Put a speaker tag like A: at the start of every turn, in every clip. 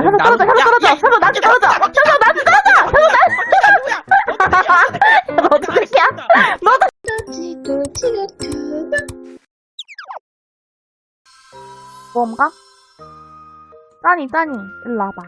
A: 현석 떨어져, 현석 떨어져, 현석 나한테 떨어져, 현석 나한테 떨어져, 현석 나한테. 너 어떻게 새끼야? 너도. 뭔가? 짠이, 일로 와봐.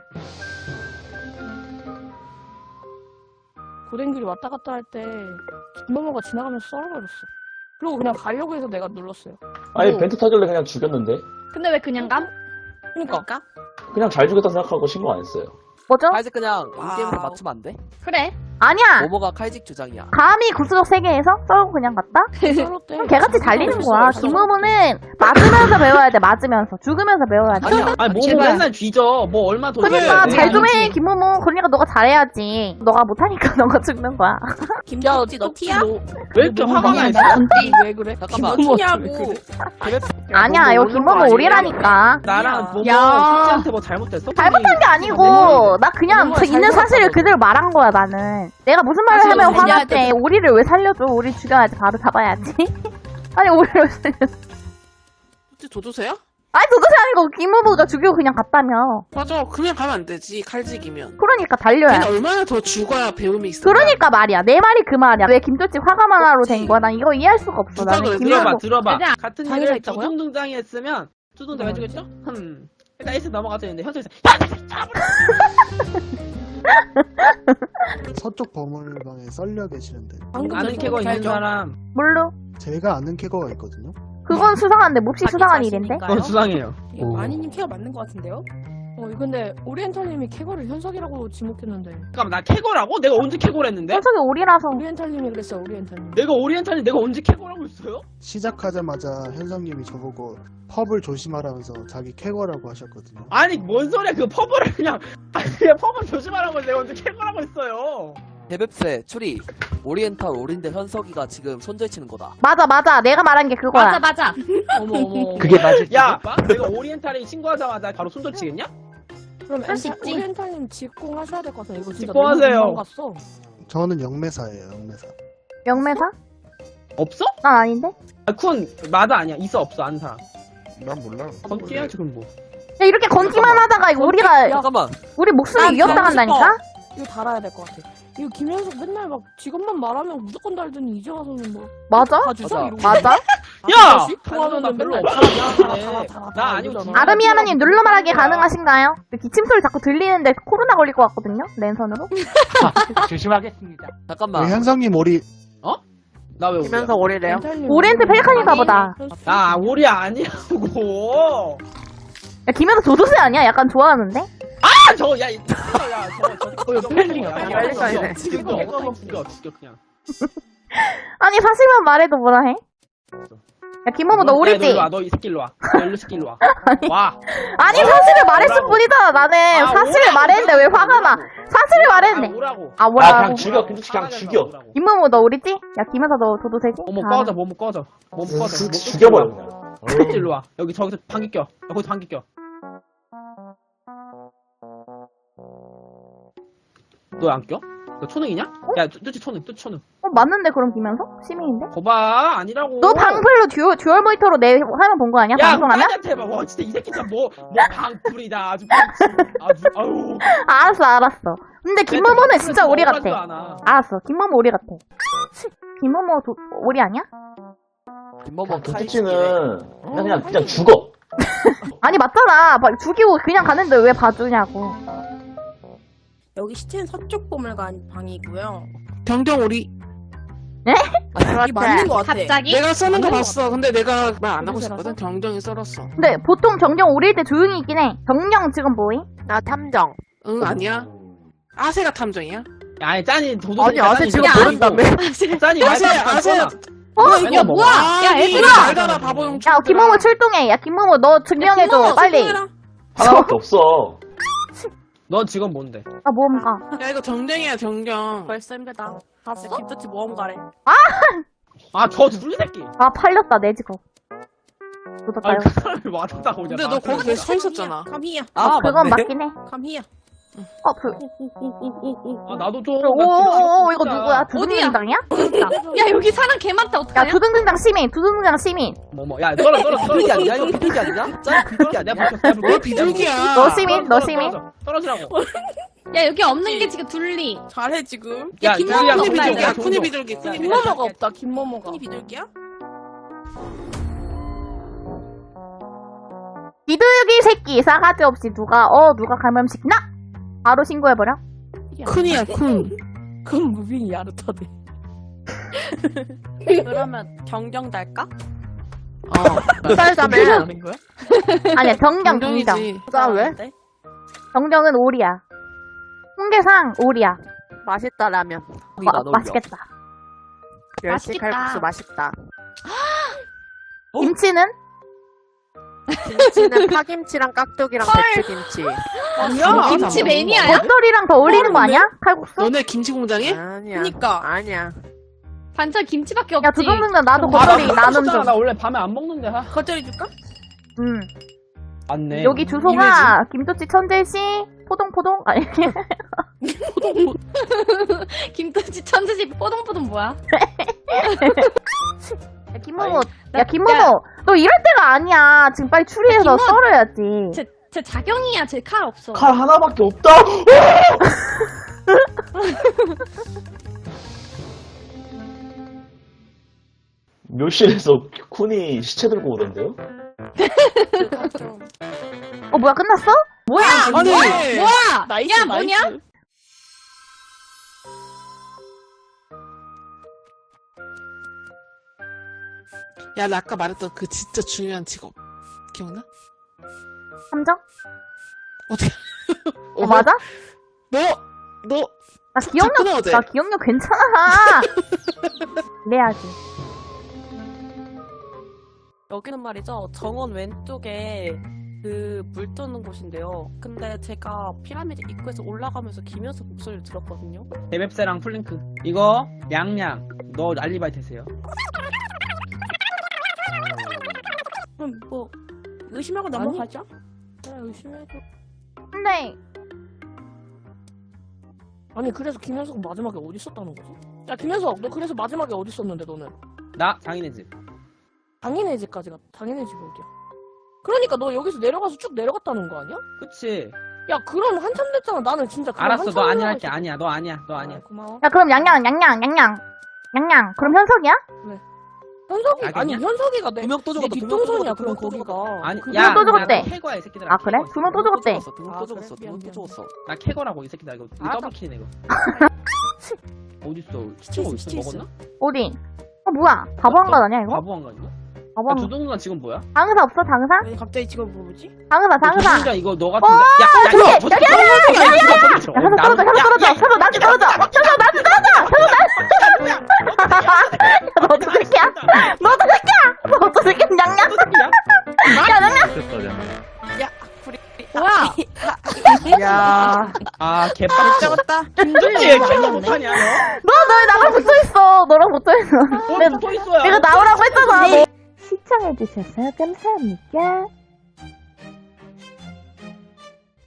B: 고랭길이 왔다 갔다 할 때 김모모가 지나가면서 썰어버렸어. 그리고 그냥 가려고 해서 내가 눌렀어요.
C: 아니 벤트 타길래 그냥 죽였는데
D: 근데 왜 그냥 감?
B: 그러니까
C: 그냥 잘 죽였다 생각하고 신고 안 했어요.
A: 뭐죠?
E: 칼직 그냥 인게임에서 맞추면 안 돼?
D: 그래.
A: 아니야.
E: 모모가 칼직 주장이야.
A: 감히 구수적 세계에서 썰고 그냥 갔다?
B: 썰었대.
A: 그럼 개같이 달리는 거야. 김모모는 맞으면서 배워야 돼, 맞으면서. 죽으면서 배워야 돼.
E: 아니야.
F: 아니 뭐
D: 제발.
F: 맨날 뒤져. 뭐 얼마 더
A: 그러니까
F: 해.
A: 잘 좀 해, 김모모. 그러니까 너가 잘해야지. 너가 못하니까 너가 죽는 거야.
D: 김모찌 너 티야?
F: 왜 이렇게 화가 나 있어?
B: 왜 그래?
E: 잠깐만.
B: 김모모
D: 티냐고.
A: 아니야, 이거 김모모 오리라니까.
F: 나랑 뭐뭐
D: 야.
F: 숙제한테 뭐 잘못했어?
A: 잘못한 게 아니고, 나 그냥
B: 김모모가
A: 있는
B: 잘
A: 사실을
B: 살았다고.
A: 그대로 말한 거야, 나는. 내가 무슨 말을
D: 사실은
A: 하면
D: 살려야
A: 화났대. 오리를 왜 살려줘? 오리 죽여야지, 바로 잡아야지. 아니, 오리를 왜 살려줘?
G: 혹시 도도새야?
A: 아니, 도대체 아니고, 김모모가 죽이고 그냥 갔다며.
G: 맞아. 그냥 가면 안 되지. 칼직이면.
A: 그러니까 달려야
G: 걔는 얼마나 더 죽어야 배움이 있어.
A: 그러니까 말이야. 내 말이 그 말이야. 왜 김조치 화가 많아로 된 거야? 난 이거 이해할 수가 없어.
G: 누가
A: 나는
G: 그래?
A: 김모모.
F: 들어봐.
D: 얘들아,
F: 같은
B: 자기가
F: 일을
B: 있다고요?
F: 두둥둥장이 했으면 두둥둥 해주겠죠? 일단 에이스 넘어가서 했는데 현석이
H: 서쪽 버물방에 썰려 계시는데
B: 방금
F: 아는 캐거 있는 사람
A: 뭘로?
H: 제가 아는 캐거가 있거든요.
A: 그건 수상한데, 몹시 수상한 일인데?
F: 그건 수상해요.
H: 오.
D: 마니님 케어 맞는 것 같은데요?
B: 근데 오리엔탈님이 캐거를 현석이라고 지목했는데.
F: 잠깐만 나 캐거라고? 내가 언제 캐거를 했는데?
A: 현석이 오리라서.
B: 오리엔탈님이 그랬어, 오리엔탈님.
F: 내가 오리엔탈이 내가 언제 캐거라고 했어요?
H: 시작하자마자 현성님이 저보고 펍을 조심하라면서 자기 캐거라고 하셨거든요.
F: 아니 뭔 소리야 그 퍼블을 그냥 아니 그냥 퍼블 조심하라고 내가 언제 캐거라고 했어요.
E: 대백세, 추리, 오리엔탈, 오린데 현석이가 지금 손절치는 거다.
A: 맞아. 내가 말한 게 그거야.
D: 맞아.
B: 어머.
C: 그게 맞을
F: 야 내가 오리엔탈이 신고하자마자 바로 손절 치겠냐?
B: 그럼
D: 할수 있지.
B: 오리엔탈님 직공하셔야 될 것 같아. 이거 진짜
F: 직공하세요.
B: 너무 갔어.
H: 저는 영매사예요, 영매사.
A: 영매사?
F: 없어?
A: 난 아닌데?
F: 아, 쿤 맞아 아니야 있어 없어 아는 사람.
H: 난 몰라.
F: 건띠야 지금 뭐.
A: 야, 이렇게 건기만 하다가 이거 우리가,
E: 잠깐만.
A: 우리 목숨이 위협당한다니까?
B: 이거 달아야 될 것 같아. 이거 김현석 맨날 막 직업만 말하면 무조건 달더니 이제 와서는 뭐
A: 맞아?
B: 봐주자
E: 맞아.
B: 이러고.
A: 맞아?
F: 야!
B: 좋아하면
F: 나
B: 별로
F: 별로
B: 달아.
F: 나 아니고 진짜.
A: 아르미아나님 눌러 말하기
F: 그거야.
A: 가능하신가요? 기침 소리 자꾸 들리는데 코로나 걸릴 것 같거든요? 랜선으로?
C: 조심하겠습니다.
E: 잠깐만.
H: 왜 현성님 오리
F: 나 왜 오리야?
G: 오래래요?
A: 오리엔트 펠리칸인가 보다.
F: 나 오리 아니라고.
A: 야, 김현석 조조세 아니야? 약간 좋아하는데?
F: 아 저거 야 저거
G: 펠링이야.
F: 펠링이야. 죽여 그냥.
A: 아니, 사실만 말해도 뭐라 해? 야, 김모모 너 오리지?
F: 일로 와, 너 이 새끼 일로 와. 너 이 새끼 일로 와. 와.
A: 아니, 사실을 말했을
F: 오라고.
A: 뿐이잖아, 나는.
F: 아,
A: 사실을
F: 오라고.
A: 말했는데 왜 화가 나? 사실을 말했는데.
F: 오라고.
A: 아,
C: 아
A: 뭐라고?
C: 그냥 죽여. 김치 그냥 죽여.
A: 김모모 너 오리지? 야, 김현석 너 조조세지?
F: 어머
A: 아.
F: 꺼져 몸 꺼져. 몸 꺼져.
C: 죽여버려 그냥.
F: 새끼 일로 와. 여기 저기서 방귀 껴. 야, 거기서 방귀 껴. 너 안 껴? 너 초능이냐? 야, 뚜치 초능, 뚜치 초능.
A: 맞는데, 그럼 김현석? 시민인데?
F: 거봐, 아니라고.
A: 너 방풀로 듀얼 모니터로 내 화면 본 거 아니야?
F: 야,
A: 방송하면?
F: 나한테 해봐. 와, 진짜 이 새끼 진짜 뭐 방풀이다. 아주 아유.
A: 알았어. 근데 김모모는 진짜 오리 같아.
F: 않아.
A: 알았어. 김모모 오리 같아. 김모모 오리 아니야?
E: 김모모
C: 도치치는 그냥 죽어.
A: 아니, 맞잖아. 죽이고 그냥 가는데 왜 봐주냐고.
D: 여기 시체는 서쪽 보물관 방이고요.
G: 경경 오리.
D: 이게 맞는 것 같아.
A: 갑자기?
G: 내가 써는 거 봤어. 근데 내가 말 안 하고 있었거든. 경경이 썰었어.
A: 근데 보통 정령 오릴 때 조용히 있긴 해. 정령 지금 뭐임?
G: 나 탐정. 응, 아니야. 아세가 탐정이야?
F: 야, 아니 짠이 도도.
G: 아니, 아세 지금 모른다며.
F: 짠이
G: 아세,
F: 아세.
D: 이거 뭐야? 야, 얘들아!
G: 알잖아, 바보용.
A: 야, 김모모 출동해. 야, 김모모 너 증명해줘. 빨리.
C: 하나밖에 없어.
F: 넌 지금 뭔데?
A: 아, 모험가.
G: 야, 이거 정경이야, 정경.
D: 벌써 힘들다. 봤어? 김조치 모험가래.
F: 아, 저 둘리 새끼.
A: 아, 팔렸다, 내 직업.
F: 아,
A: 묻었다,
F: 그 사람을 와줬다고.
G: 근데 너 거기 계속 서 있었잖아.
D: 감히야.
A: 그건 맞긴 해.
D: 감히야.
F: 아 나도 좀.
A: 오오오 이거 누구야? 두둥등장이야?
B: 야 여기 사람 개 많다
A: 야
B: 어떡하냐?
A: 두둥등장 시민 두둥등장 시민.
F: 야 떨어.
E: 비둘기 아니야? 이거 비둘기 아니냐? 짠 비둘기 아니야?
G: 뭘 비둘기야?
A: 너 시민 너 시민.
F: 떨어지라고.
B: 야 여기 없는 게 지금 둘리.
D: 잘해 지금.
F: 야
B: 김모모가
F: 둘리야,
G: 쿤이
B: 없나,
G: 비둘기야.
B: 이거?
G: 쿤이 비둘기. 쿤이 비둘기.
B: 김모모가 없다 김모모가.
D: 이 비둘기야?
A: 비둘기 새끼 싸가지 없이 누가 감염시키나? 바로 신고해버려.
G: 쿤이야 쿤.
B: 그건 무빙이 야르타네.
D: 그러면 경경 달까?
G: 쌀자매.
B: 하는 거야?
A: 아니야 정경
G: 경경이지.
A: 정경. 왜? 정경은 오리야. 홍게상 오리야.
I: 맛있다 라면.
E: 우리가 안 어울려.
A: 맛있겠다.
I: 멸치
B: 맛있겠다.
I: 칼국수 맛있다.
A: 김치는?
I: 김치는 파김치랑 깍두기랑 배추김치.
B: 너 김치 매니아야?
A: 겉절이랑 더 어울리는 거 아니야? 칼국수?
G: 너네 김치 공장에?
I: 아니야.
D: 그니까.
I: 아니야.
B: 반찬 김치밖에 없지.
A: 야 두둥등장 나도 겉절이 나눔 좀.
F: 나 원래 밤에 안 먹는데.
D: 겉절이 줄까?
F: 맞네.
A: 여기 주소가 김도치 천재시 포동포동 아니
B: 김치 천재지 뽀동뽀동 뭐야?
A: 야 김모모 야 김모모 너 이럴 때가 아니야. 지금 빨리 추리해서
B: 김모-
A: 썰어야지.
B: 제 자경이야. 제 칼 없어.
C: 칼 하나밖에 없다. 묘실에서 쿤이 시체 들고 오던데요?
A: 뭐야 끝났어?
B: 뭐야?
G: 아니.
B: 뭐야?
F: 나이스,
B: 야
F: 나이스.
B: 뭐냐?
G: 야, 나 아까 말했던 그 진짜 중요한 직업. 기억나?
A: 함정?
G: 어떻게?
A: 맞아?
G: 너
A: 나 기억력
G: 접근해, 어제.
A: 나 기억력 괜찮아. 그래야지.
D: 여기는 말이죠. 정원 왼쪽에 그 물 뜨는 곳인데요. 근데 제가 피라미드 입구에서 올라가면서 김현수 목소리를 들었거든요.
F: 데맵세랑 플랭크. 이거 양양. 너 알리바이 되세요.
D: 그럼 뭐 의심하고 넘어가죠?
B: 야 의심해줘.
A: 근데
B: 아니 그래서 김현수가 마지막에 어디 있었다는 거지? 야 김현수 너 그래서 마지막에 어디 있었는데 너는?
F: 나 장인의 집.
B: 장인의 집까지 갔. 장인의 집 어디야? 그러니까 너 여기서 내려가서 쭉 내려갔다는 거 아니야?
F: 그치.
B: 야 그럼 한참 됐잖아. 나는 진짜 그럼
F: 알았어.
B: 한참
F: 너 아니야
B: 올라가
F: 할게.
B: 있었-
F: 아니야. 너 아니야. 너 아니야.
B: 고마워.
A: 야 그럼 양양. 그럼 현석이야?
B: 현석이
F: 알겠냐?
B: 아니 현석이가 내
E: 두명 또
B: 내
E: 죽었다.
B: 뒷동선이야. 그럼 거기가.
F: 아니,
A: 두
F: 야,
A: 명 또 죽었대.
F: 나 캐거야, 이 새끼들아.
A: 아 그래?
F: 캐거.
A: 두 명 또 죽었대.
E: 두명
B: 아,
E: 또
B: 그래?
E: 죽었어.
B: 미안,
E: 두명 또
B: 미안.
E: 죽었어.
F: 나 캐거라고, 이 새끼들아. 이거
B: 알았어.
F: 더블키네, 이거. 어딨어? 시체
D: 있어,
F: 어딨어?
D: 시체 있어.
F: 먹었나?
A: 어디? 뭐야? 바보한가 아니야 이거?
F: 바보한 거 아니야?
A: 바보.
F: 야, 두둥간 지금 뭐야?
A: 장의사 없어 장의사?
D: 왜 갑자기 지금 뭐지?
A: 장의사.
F: 두둥간 이거 너 같은데?
A: 저기,
F: 야,
A: 저기 하나! 야 현석 떨어져. 현석 나한테 떨어져. 현석 나한테 떨어져. 너도 새끼야? 너도 새끼야? 양양.
B: 뭐야?
I: 야.
F: 아, 개빡
D: 잡았다.
F: 힘들지? 캐거 못하냐, 너?
A: 너 나랑 붙어있어. 너랑 붙어있어.
F: 또 있어야.
A: 내가 나오라고 했잖아. 시청해주셔서 감사합니다.